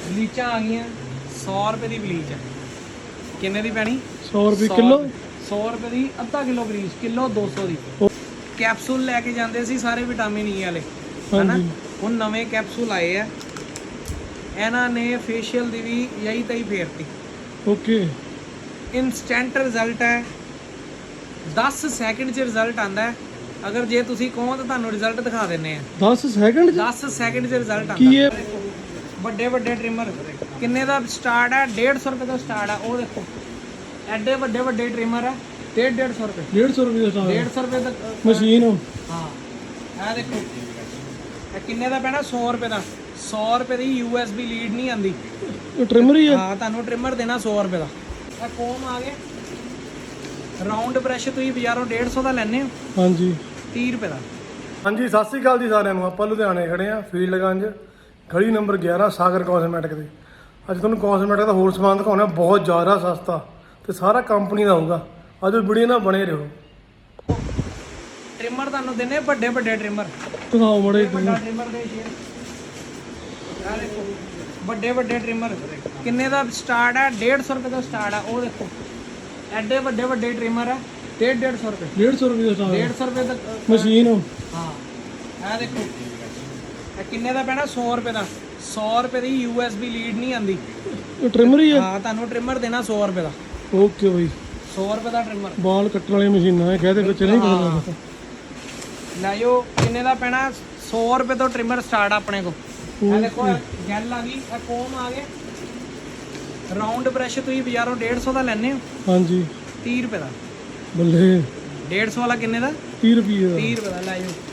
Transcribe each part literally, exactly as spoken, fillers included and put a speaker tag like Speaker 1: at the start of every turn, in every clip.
Speaker 1: ਬਲੀਚਾਂ ਆ ਗਈਆਂ सौ रुपए ਦੀ ਬਲੀਚ ਹੈ। ਕਿੰਨੇ ਦੀ ਪੈਣੀ?
Speaker 2: सौ रुपए किलो।
Speaker 1: सौ रुपए ਦੀ ਅੱਧਾ ਕਿਲੋ ਬਲੀਚ, ਕਿਲੋ ਦੋ ਸੌ ਦੀ। ਕੈਪਸੂਲ ਲੈ ਕੇ ਜਾਂਦੇ ਸੀ ਸਾਰੇ ਵਿਟਾਮਿਨ ਈ ਵਾਲੇ, ਹਨਾ। ਹੁਣ ਨਵੇਂ ਕੈਪਸੂਲ ਆਏ ਆ, ਇਹਨਾਂ ਨੇ ਫੇਸ਼ੀਅਲ ਦੀ ਵੀ ਯਹੀ ਤਈ ਫੇਰਤੀ।
Speaker 2: ਓਕੇ,
Speaker 1: ਇਨਸਟੈਂਟ ਰਿਜ਼ਲਟ ਹੈ, ਦਸ ਸੈਕਿੰਡ 'ਚ ਰਿਜ਼ਲਟ ਆਂਦਾ ਹੈ। ਅਗਰ ਜੇ ਤੁਸੀਂ ਕਹੋ ਤਾਂ ਤੁਹਾਨੂੰ ਰਿਜ਼ਲਟ ਦਿਖਾ ਦਿੰਨੇ ਆ।
Speaker 2: दस सेकंड
Speaker 1: ਦਸ ਸੈਕਿੰਡ 'ਚ ਰਿਜ਼ਲਟ ਆਂਦਾ।
Speaker 2: ਕੀ ਹੈ?
Speaker 1: ਵੱਡੇ ਵੱਡੇ ਟ੍ਰਿਮਰ ਕਿੰਨੇ ਦਾ ਸਟਾਰਟ ਹੈ? ਡੇਢ ਸੌ ਰੁਪਏ ਤੋਂ ਸਟਾਰਟ ਹੈ। ਉਹ ਦੇਖੋ ਐਡੇ ਵੱਡੇ ਵੱਡੇ ਟ੍ਰਿਮਰ ਹੈ, ਡੇਢ ਡੇਢ ਸੌ ਰੁਪਏ।
Speaker 2: डेढ़ सौ रुपये का
Speaker 1: ਡੇਢ ਸੌ ਰੁਪਏ ਤੱਕ
Speaker 2: मशीन।
Speaker 1: ਹਾਂ, ਇਹ ਦੇਖੋ ਇਹ ਕਿੰਨੇ ਦਾ ਪੈਣਾ? ਸੌ ਰੁਪਏ ਦਾ। ਸੌ ਰੁਪਏ ਦੀ ਯੂ ਐਸ ਬੀ ਲੀਡ ਨਹੀਂ ਆਂਦੀ,
Speaker 2: ट्रिमर ही है।
Speaker 1: ਹਾਂ, ਤੁਹਾਨੂੰ ਟ੍ਰਿਮਰ ਦੇਣਾ ਸੌ ਰੁਪਏ ਦਾ। ਇਹ ਕੋਮ ਆ ਗਿਆ ਰਾਉਂਡ ਬ੍ਰਸ਼, ਤੁਸੀਂ ਬਾਜ਼ਾਰੋਂ ਡੇਢ ਸੌ ਦਾ ਲੈਣੇ ਹੋ,
Speaker 2: हाँ जी,
Speaker 1: ਤੀਹ ਰੁਪਏ ਦਾ।
Speaker 2: ਹਾਂਜੀ ਸਤਿ ਸ੍ਰੀ ਅਕਾਲ ਜੀ ਸਾਰਿਆਂ ਨੂੰ। ਆਪਾਂ ਲੁਧਿਆਣੇ ਖੜੇ ਆ ਫੀਲਡਗੰਜ, ਗਲੀ ਨੰਬਰ ਗਿਆਰਾਂ, ਸਾਗਰ ਕਾਸਮੈਟਿਕ ਦੇ। ਅੱਜ ਤੁਹਾਨੂੰ ਕਾਸਮੈਟਿਕ ਦਾ ਹੋਰ ਸਮਾਨ ਦਿਖਾਉਣਾ, ਬਹੁਤ ਜ਼ਿਆਦਾ ਸਸਤਾ ਤੇ ਸਾਰਾ ਕੰਪਨੀ ਦਾ ਹੋਊਗਾ। ਅੱਜ ਵੀਡੀਓ ਨਾਲ ਬਣੇ ਰਹੋ।
Speaker 1: ਟ੍ਰਿਮਰ ਤੁਹਾਨੂੰ ਦਿੰਨੇ ਵੱਡੇ ਵੱਡੇ ਟ੍ਰਿਮਰ,
Speaker 2: ਦਿਖਾਓ ਮੜੇ।
Speaker 1: ਵੱਡਾ ਟ੍ਰਿਮਰ ਦੇ ਸ਼ੇਰ, ਇਹ ਦੇਖੋ ਵੱਡੇ ਵੱਡੇ ਟ੍ਰਿਮਰ ਕਿੰਨੇ ਦਾ ਸਟਾਰਟ ਹੈ? ਡੇਢ ਸੌ ਰੁਪਏ ਤੋਂ ਸਟਾਰਟ ਹੈ। ਉਹ ਦੇਖੋ ਐਡੇ ਵੱਡੇ ਵੱਡੇ ਟ੍ਰਿਮਰ ਹੈ, ਡੇਢ ਡੇਢ ਸੌ ਰੁਪਏ।
Speaker 2: डेढ़ सौ रुपये का
Speaker 1: ਡੇਢ ਸੌ ਰੁਪਏ ਤੱਕ
Speaker 2: मशीन।
Speaker 1: ਹਾਂ, ਇਹ ਦੇਖੋ ਇਹ ਕਿੰਨੇ ਦਾ ਪੈਣਾ? ਸੌ ਰੁਪਏ ਦਾ। ਸੌ ਰੁਪਏ ਦੀ ਯੂ ਐਸ ਬੀ ਲੀਡ ਨਹੀਂ ਆਂਦੀ,
Speaker 2: ट्रिमर ही है।
Speaker 1: ਹਾਂ, ਤੁਹਾਨੂੰ ਟ੍ਰਿਮਰ ਦੇਣਾ ਸੌ ਰੁਪਏ ਦਾ।
Speaker 2: ओके भाई,
Speaker 1: ਸੌ ਰੁਪਏ ਦਾ ਟ੍ਰਿਮਰ
Speaker 2: बाल कट्टण वाली मशीन है, कहते बच्चे नहीं पता लगता।
Speaker 1: ਲੈ ਜਾਓ। ਕਿੰਨੇ ਦਾ ਪੈਣਾ? ਸੌ ਰੁਪਏ ਤੋਂ ਟ੍ਰਿਮਰ ਸਟਾਰਟ ਆਪਣੇ ਕੋ। ਇਹ ਦੇਖੋ ਜੈਲ ਆ ਗਈ, ਇਹ ਕੋਮ ਆ ਗਿਆ। ਰਾਉਂਡ ਬ੍ਰਸ਼ ਤੁਸੀਂ ਬਾਜ਼ਾਰੋਂ ਡੇਢ ਸੌ ਦਾ ਲੈਣੇ ਹੋ,
Speaker 2: हाँ जी,
Speaker 1: ਤੀਹ ਰੁਪਏ ਦਾ।
Speaker 2: बल्ले
Speaker 1: ਡੇਢ ਸੌ ਵਾਲਾ ਕਿੰਨੇ ਦਾ?
Speaker 2: तीस रुपये का।
Speaker 1: ਤੀਹ ਰੁਪਏ ਦਾ। ਲੈ ਜਾਓ।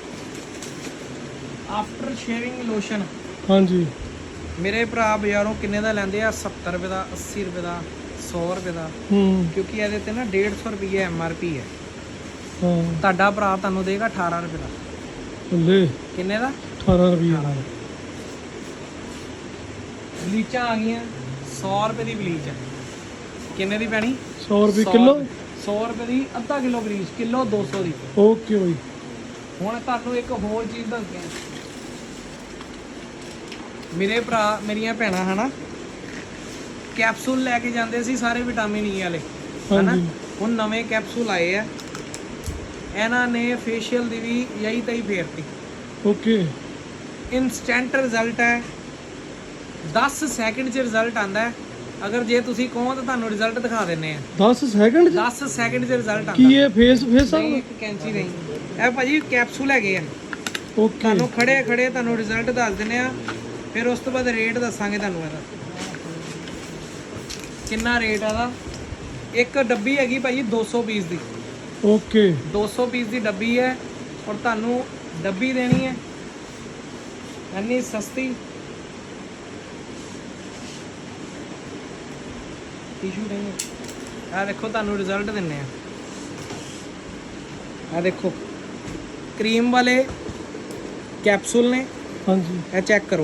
Speaker 1: ਆਫਟਰ ਸ਼ੇਵਿੰਗ ਲੋਸ਼ਨ
Speaker 2: हाँ जी,
Speaker 1: ਮੇਰੇ ਭਰਾ ਬਾਜ਼ਾਰੋਂ ਕਿੰਨੇ ਦਾ ਲੈਂਦੇ ਆ? ਸੱਤਰ ਰੁਪਏ ਦਾ, ਅੱਸੀ ਰੁਪਏ ਦਾ, ਸੌ ਰੁਪਏ ਦਾ,
Speaker 2: हम्म,
Speaker 1: ਕਿਉਂਕਿ ਇਹਦੇ ਤੇ ਨਾ ਡੇਢ ਸੌ ਰੁਪਏ ਐਮ ਆਰ ਪੀ ਹੈ।
Speaker 2: हाँ,
Speaker 1: ਤੁਹਾਡਾ ਭਰਾ ਤੁਹਾਨੂੰ ਦੇਗਾ ਅਠਾਰਾਂ ਰੁਪਏ ਦਾ।
Speaker 2: बल्ले
Speaker 1: ਕਿੰਨੇ ਦਾ?
Speaker 2: अठारह रुपये का।
Speaker 1: ਬਲੀਚਾਂ ਆ ਗਈਆਂ ਸੌ ਰੁਪਏ ਦੀ ਬਲੀਚ ਹੈ। ਕਿੰਨੇ ਦੀ ਪੈਣੀ?
Speaker 2: सौ रुपये किलो।
Speaker 1: ਸੌ ਰੁਪਏ ਦੀ ਅੱਧਾ ਕਿਲੋ ਬਲੀਚ, ਕਿਲੋ ਦੋ ਸੌ ਦੀ।
Speaker 2: ओके भाई,
Speaker 1: ਹੁਣ ਤੁਹਾਨੂੰ ਇੱਕ ਹੋਰ ਚੀਜ਼ ਦੱਸਦੇ ਹਾਂ। ਮੇਰੇ ਭਰਾ ਮੇਰੀਆਂ ਭੈਣਾਂ ਹਨਾ, ਕੈਪਸੂਲ ਲੈ ਕੇ ਜਾਂਦੇ ਸੀ ਸਾਰੇ ਵਿਟਾਮਿਨ ਈ ਵਾਲੇ, ਹਨਾ। ਹੁਣ ਨਵੇਂ ਕੈਪਸੂਲ ਆਏ ਆ, ਇਹਨਾਂ ਨੇ ਫੇਸ਼ੀਅਲ ਦੀ ਵੀ ਯਹੀ ਤਈ ਫੇਰਤੀ।
Speaker 2: ओके,
Speaker 1: ਇਨਸਟੈਂਟ ਰਿਜ਼ਲਟ ਹੈ, ਦਸ ਸੈਕਿੰਡ 'ਚ ਰਿਜ਼ਲਟ ਆਂਦਾ ਹੈ। ਅਗਰ ਜੇ ਤੁਸੀਂ ਕਹੋ ਤਾਂ ਤੁਹਾਨੂੰ ਰਿਜ਼ਲਟ ਦਿਖਾ ਦਿੰਨੇ ਆ।
Speaker 2: दस सेकंड
Speaker 1: ਦਸ ਸੈਕਿੰਡ 'ਚ ਰਿਜ਼ਲਟ
Speaker 2: की
Speaker 1: ਆਂਦਾ।
Speaker 2: ये फेस फेस
Speaker 1: ਨਹੀਂ, ਇੱਕ ਕੈਂਚੀ ਨਹੀਂ, ਇਹ ਭਾਜੀ ਕੈਪਸੂਲ ਹੈਗੇ ਆ।
Speaker 2: ओके,
Speaker 1: ਤੁਹਾਨੂੰ ਖੜੇ ਖੜੇ ਤੁਹਾਨੂੰ ਰਿਜ਼ਲਟ ਦੱਸ ਦਿੰਨੇ ਆ, ਫਿਰ ਉਸ ਤੋਂ ਬਾਅਦ ਰੇਟ ਦੱਸਾਂਗੇ ਤੁਹਾਨੂੰ ਇਹਦਾ ਕਿੰਨਾ ਰੇਟ ਆਦਾ। ਇੱਕ ਡੱਬੀ ਹੈਗੀ ਭਾਜੀ ਦੋ ਸੌ ਪੀਸ ਦੀ,
Speaker 2: ओके,
Speaker 1: ਦੋ ਸੌ ਪੀਸ ਦੀ ਡੱਬੀ ਹੈ। ਔਰ ਤੁਹਾਨੂੰ ਡੱਬੀ ਦੇਣੀ ਹੈ ਇੰਨੀ ਸਸਤੀ। ਟਿਸ਼ੂ ਦੇਣੀ, ਆ ਦੇਖੋ ਤੁਹਾਨੂੰ ਰਿਜ਼ਲਟ ਦਿੰਨੇ ਆ। ਆ ਦੇਖੋ ਕਰੀਮ ਵਾਲੇ ਕੈਪਸੂਲ ਨੇ,
Speaker 2: हाँ जी,
Speaker 1: ਇਹ ਚੈੱਕ ਕਰੋ।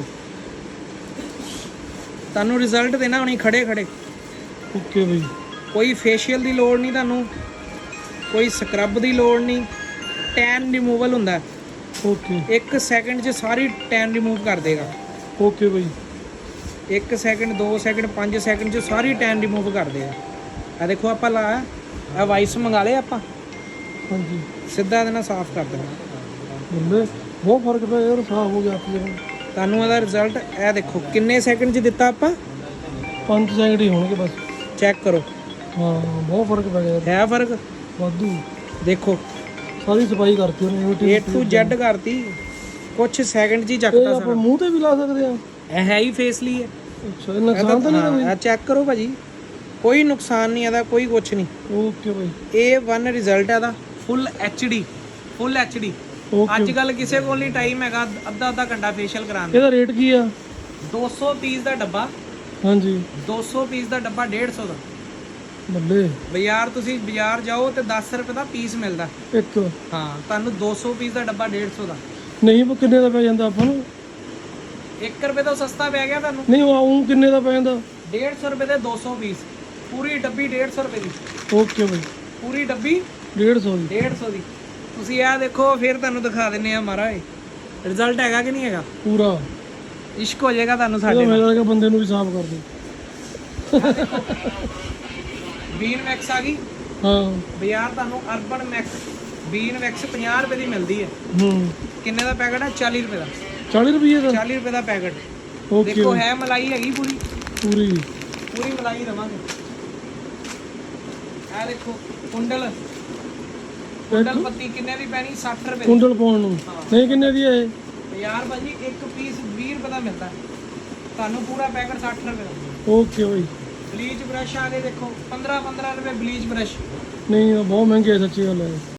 Speaker 1: ਤੁਹਾਨੂੰ ਰਿਜ਼ਲਟ ਦੇਣਾ ਹੁਣੀ ਖੜੇ ਖੜੇ।
Speaker 2: ओके भाई,
Speaker 1: ਕੋਈ ਫੇਸ਼ੀਅਲ ਦੀ ਲੋੜ ਨਹੀਂ ਤੁਹਾਨੂੰ, ਕੋਈ ਸਕਰਬ ਦੀ ਲੋੜ ਨਹੀਂ। ਟੈਨ ਰਿਮੂਵਲ ਹੁੰਦਾ,
Speaker 2: ओके,
Speaker 1: ਇੱਕ ਸੈਕਿੰਡ 'ਚ ਸਾਰੀ ਟੈਨ ਰਿਮੂਵ ਕਰ ਦੇਗਾ।
Speaker 2: ओके भाई,
Speaker 1: ਇੱਕ ਸੈਕਿੰਡ, ਦੋ ਸੈਕਿੰਡ, ਪੰਜ ਸੈਕਿੰਡ 'ਚ ਸਾਰੀ ਟੈਨ ਰਿਮੂਵ ਕਰ ਦੇਗਾ। ਆ ਦੇਖੋ ਆਪਾਂ ਲਾਇਆ, ਇਹ ਵਾਈਸ ਮੰਗਾ ਲਏ ਆਪਾਂ,
Speaker 2: हाँ जी,
Speaker 1: ਸਿੱਧਾ ਇਹਦੇ ਨਾਲ ਸਾਫ਼ ਕਰ ਦੇਣਾ।
Speaker 2: बल्ले बहुत फर्क पै यार, साफ हो गया आपके।
Speaker 1: ਤੁਹਾਨੂੰ ਇਹਦਾ ਰਿਜ਼ਲਟ ਇਹ ਦੇਖੋ ਕਿੰਨੇ ਸੈਕਿੰਡ 'ਚ ਦਿੱਤਾ ਆਪਾਂ,
Speaker 2: पाँच सेकंड ही होंगे बस।
Speaker 1: ਚੈੱਕ ਕਰੋ।
Speaker 2: हाँ, बहुत फर्क पै गया यार,
Speaker 1: ਹੈ ਫਰਕ?
Speaker 2: वादू।
Speaker 1: ਦੇਖੋ
Speaker 2: सारी सफाई करती है,
Speaker 1: ਏ ਟੂ ਜ਼ੈਡ ਕਰਤੀ, ਕੁਛ ਸੈਕਿੰਡ 'ਚ ਹੀ
Speaker 2: ये
Speaker 1: ਚੱਕਤਾ
Speaker 2: आप
Speaker 1: ਸਾਰਾ।
Speaker 2: मुंह ते भी ला सकते हैं।
Speaker 1: ਇਹ ਹੈ ਹੀ ਫੇਸ ਲਈ ਹੈ।
Speaker 2: अच्छा, ये नुकसान तो नहीं
Speaker 1: ਹਾਂ, ਚੈੱਕ ਕਰੋ ਭਾਜੀ, ਕੋਈ ਨੁਕਸਾਨ ਨਹੀਂ ਇਹਦਾ, ਕੋਈ ਕੁਛ ਨਹੀਂ।
Speaker 2: है? ओके भाई,
Speaker 1: ਏ ਵਨ ਰਿਜ਼ਲਟ ਹੈ ਦਾ, full H D, full H D.
Speaker 2: Okay.
Speaker 1: ਅੱਜ ਕੱਲ ਕਿਸੇ ਕੋਲ ਨਹੀਂ ਟਾਈਮ ਹੈਗਾ ਅੱਧਾ ਅੱਧਾ ਘੰਟਾ ਫੇਸ਼ੀਅਲ ਕਰਾਉਣ ਦਾ।
Speaker 2: ਇਹਦਾ ਰੇਟ ਕੀ ਆ?
Speaker 1: ਦੋ ਸੌ ਪੀਸ ਦਾ ਡੱਬਾ,
Speaker 2: ਹਾਂਜੀ,
Speaker 1: ਦੋ ਸੌ ਪੀਸ ਦਾ ਡੱਬਾ ਡੇਢ ਸੌ ਦਾ।
Speaker 2: ਬੱਲੇ
Speaker 1: ਬਾਜ਼ਾਰ ਤੁਸੀਂ ਬਾਜ਼ਾਰ ਜਾਓ ਤੇ ਦਸ ਰੁਪਏ ਦਾ ਪੀਸ ਮਿਲਦਾ।
Speaker 2: ਇੱਕ।
Speaker 1: ਹਾਂ, ਤੁਹਾਨੂੰ ਦੋ ਸੌ ਪੀਸ ਦਾ ਡੱਬਾ ਡੇਢ ਸੌ ਦਾ।
Speaker 2: ਨਹੀਂ ਉਹ ਕਿੰਨੇ ਦਾ ਪੈ ਜਾਂਦਾ ਆਪਾਂ ਨੂੰ?
Speaker 1: ਇੱਕ ਰੁਪਏ ਤੋਂ ਸਸਤਾ ਪੈ ਗਿਆ ਤੁਹਾਨੂੰ।
Speaker 2: ਨਹੀਂ ਉਹ ਕਿੰਨੇ ਦਾ ਪੈ ਜਾਂਦਾ?
Speaker 1: ਡੇਢ ਸੌ ਰੁਪਏ ਦੇ ਦੋ ਸੌ ਪੀਸ, ਪੂਰੀ ਡੱਬੀ ਡੇਢ ਸੌ ਰੁਪਏ ਦੀ।
Speaker 2: ਓਕੇ ਬਾਈ,
Speaker 1: ਪੂਰੀ ਡੱਬੀ
Speaker 2: ਡੇਢ ਸੌ ਦੀ।
Speaker 1: ਡੇਢ ਸੌ ਦੀ। ਤੁਸੀਂ ਇਹ ਦੇਖੋ, ਫਿਰ ਤੁਹਾਨੂੰ ਦਿਖਾ ਦਿੰਨੇ ਆ ਮਹਾਰਾਜ ਰਿਜ਼ਲਟ ਹੈਗਾ ਕਿ ਨਹੀਂ ਹੈਗਾ।
Speaker 2: ਪੂਰਾ
Speaker 1: ਇਸ਼ਕ ਹੋ ਜਾਏਗਾ ਤੁਹਾਨੂੰ
Speaker 2: ਇਹਦਾ
Speaker 1: ਸਾਡੇ ਨਾਲ।
Speaker 2: ਮੇਰਾ ਲੱਗਾ ਬੰਦੇ ਨੂੰ ਵੀ ਸਾਫ਼ ਕਰ ਦੇ।
Speaker 1: ਬੀਨ ਵੈਕਸ ਆ ਗਈ
Speaker 2: ਹਾਂ
Speaker 1: ਬਾਜ਼ਾਰ ਤੁਹਾਨੂੰ ਅਰਬਨ ਮੈਕਸ ਬੀਨ ਵੈਕਸ ਪੰਜਾਹ ਰੁਪਏ ਦੀ ਮਿਲਦੀ ਹੈ।
Speaker 2: ਹੂੰ
Speaker 1: ਕਿੰਨੇ ਦਾ ਪੈਕਟ ਹੈ? ਚਾਲੀ ਰੁਪਏ ਦਾ।
Speaker 2: ਚਾਲੀ ਰੁਪਏ ਦਾ
Speaker 1: ਚਾਲੀ ਰੁਪਏ ਦਾ ਪੈਕਟ।
Speaker 2: ਓਕੇ
Speaker 1: ਦੇਖੋ ਹੈ ਮਲਾਈ ਹੈਗੀ ਪੂਰੀ
Speaker 2: ਪੂਰੀ
Speaker 1: ਪੂਰੀ ਮਲਾਈ ਦਵਾਂਗੇ। ਇਹ ਦੇਖੋ ਕੁੰਡਲ ਕੁੰਡਲ ਪੱਤੀ ਕਿੰਨੇ ਦੀ ਪੈਣੀ? ਸੱਠ ਰੁਪਏ ਦੀ।
Speaker 2: ਕੁੰਡਲ ਪਾਉਣ ਨੂੰ ਨਹੀਂ ਕਿੰਨੇ ਦੀ ਹੈ ਇਹ?
Speaker 1: ਯਾਰ ਭਾਜੀ ਇੱਕ ਪੀਸ ਵੀਹ ਰੁਪਏ ਦਾ ਮਿਲਦਾ ਤੁਹਾਨੂੰ, ਪੂਰਾ ਪੈਕਟ ਸੱਠ ਰੁਪਏ ਦਾ।
Speaker 2: Okay bye.
Speaker 1: ਬਲੀਚ ਬ੍ਰਸ਼ ਆ ਗਏ ਦੇਖੋ ਪੰਦਰਾਂ ਪੰਦਰਾਂ ਰੁਪਏ ਬਲੀਚ ਬ੍ਰਸ਼।
Speaker 2: ਨਹੀਂ ਇਹ ਬਹੁਤ ਮਹਿੰਗੇ ਆ, ਸੱਚੀ ਗੱਲ ਹੈ।